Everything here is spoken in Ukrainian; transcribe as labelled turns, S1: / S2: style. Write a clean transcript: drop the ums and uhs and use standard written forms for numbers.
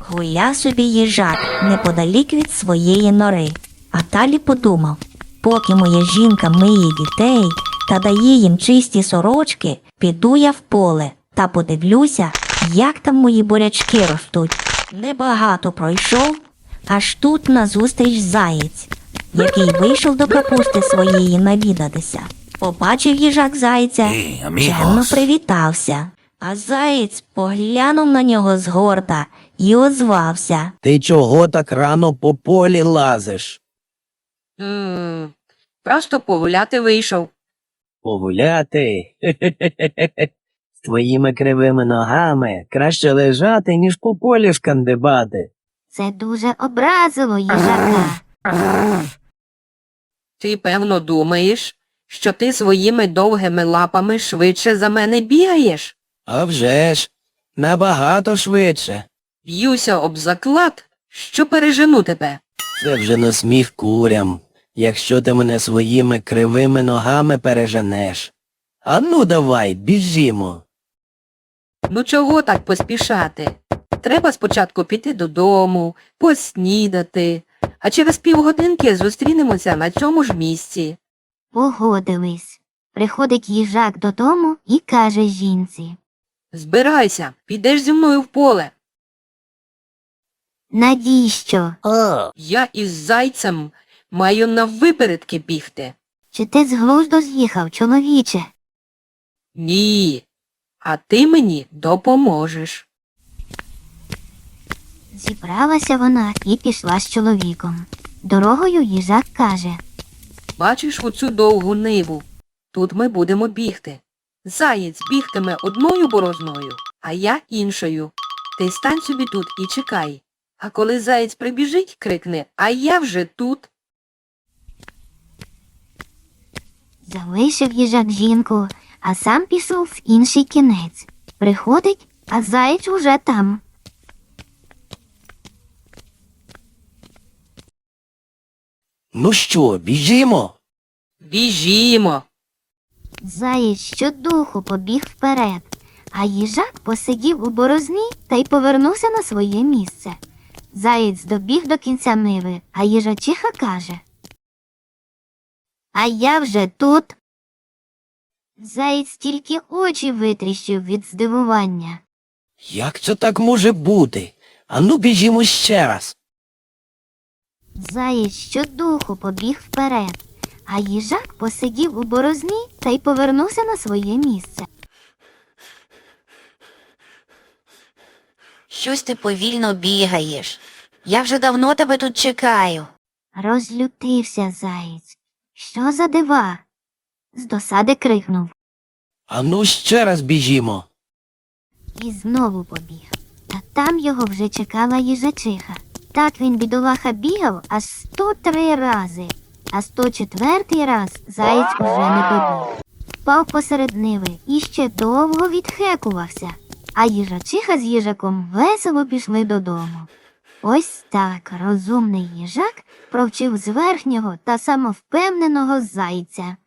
S1: Гуляв собі їжак неподалік від своєї нори, а далі подумав, поки моя жінка миє дітей та дає їм чисті сорочки, піду я в поле та подивлюся, як там мої бурячки ростуть. Небагато пройшов, аж тут назустріч заєць, який вийшов до капусти своєї навідатися. Побачив їжак зайця, чемно привітався. А заєць поглянув на нього згорда і озвався.
S2: Ти чого так рано по полі лазиш?
S3: Просто погуляти вийшов.
S2: Погуляти? З твоїми кривими ногами краще лежати, ніж по полі шкандибати.
S1: Це дуже образило їжака.
S3: Ти, певно, думаєш, що ти своїми довгими лапами швидше за мене бігаєш?
S2: А вже ж, набагато швидше.
S3: Б'юся об заклад, що пережену тебе.
S2: Це вже на сміх курям, якщо ти мене своїми кривими ногами переженеш. А ну давай, біжімо.
S3: Ну чого так поспішати? Треба спочатку піти додому, поснідати, а через півгодинки зустрінемося на цьому ж місці.
S1: Погодились. Приходить їжак додому і каже жінці.
S3: Збирайся, підеш зі мною в поле.
S1: Навіщо?
S3: Я із зайцем маю наввипередки бігти.
S1: Чи ти з глузду з'їхав, чоловіче?
S3: Ні, а ти мені допоможеш.
S1: Зібралася вона і пішла з чоловіком. Дорогою їжак каже.
S3: Бачиш оцю довгу ниву? Тут ми будемо бігти. Заєць бігтиме одною борозною, а я іншою. Ти стань собі тут і чекай. А коли заєць прибіжить, крикне, а я вже тут.
S1: Залишив їжак жінку, а сам пішов в інший кінець. Приходить, а заєць уже там.
S2: Ну що, біжімо?
S3: Біжімо.
S1: Заєць щодуху побіг вперед, а їжак посидів у борозні та й повернувся на своє місце. Заєць добіг до кінця ниви, а їжачиха каже. А я вже тут. Заєць тільки очі витріщив від здивування.
S2: Як це так може бути? А ну біжімо ще раз.
S1: Заєць щодуху побіг вперед, а їжак посидів у борозні та й повернувся на своє місце.
S4: Щось ти повільно бігаєш. Я вже давно тебе тут чекаю.
S1: Розлютився заєць. Що за дива? З досади крикнув.
S2: А ну ще раз біжімо.
S1: І знову побіг. Та там його вже чекала їжачиха. Так він, бідолаха, бігав аж 103 рази, а 104-й раз заєць уже не добіг. Впав посеред ниви і ще довго відхекувався, а їжачиха з їжаком весело пішли додому. Ось так розумний їжак провчив зверхнього та самовпевненого зайця.